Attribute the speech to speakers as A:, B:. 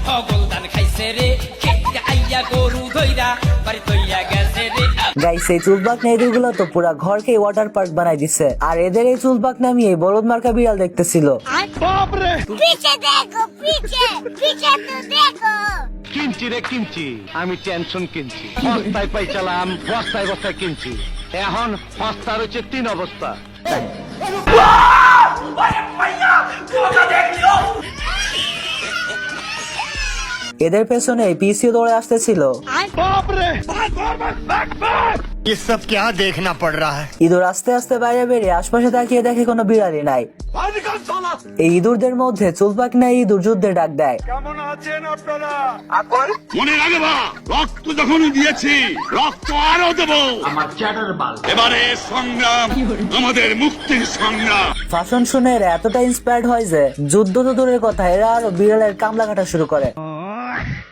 A: ছগল ধান খাইছে রে খেতে আইয়া গরু ধইরা বাড়ি তৈয়া গেছে রে।
B: গাইস এই চুলবাকনা ইঁদুরগুলো তো পুরা ঘরকে ওয়াটার পার্ক বানাই দিছে, আর এদের এই চুলবাকনা নিয়ে বলদ মার্কা বিড়াল দেখতেছিল।
C: पीछे देखो पीछे पीछे तो देखो
D: কিনছি রে কিনছি, আমি টেনশন কিনছি, বস্তায় পাইছিলাম বস্তায় বস্তায় কিনছি, এখন বস্তার হচ্ছে 3 অবস্থা।
B: এদের পেছনে পিসিও দৌড়ে আসতেছিল।
E: ये सब क्या देखना पड़ रहा है।
B: ইঁদুর আস্তে আস্তে বাইরে বেরিয়ে আশপাশে তাকিয়ে দেখে কোনো বিড়ালই নাই। এই ইঁদুরদের মধ্যে চুলবাকনা ইঁদুর যুদ্ধে ডাক দেয়।
F: মনে রাখবা, রক্ত যখন দিয়েছি রক্ত আরো দেব। এবারে সংগ্রাম আমাদের মুক্তির সংগ্রাম।
B: ভাষণ শুনে এরা এতটা ইন্সপায়ার্ড হয় যে যুদ্ধ তো দূরের কথা, এরা আরো বিড়ালের কামলা কাটা শুরু করে।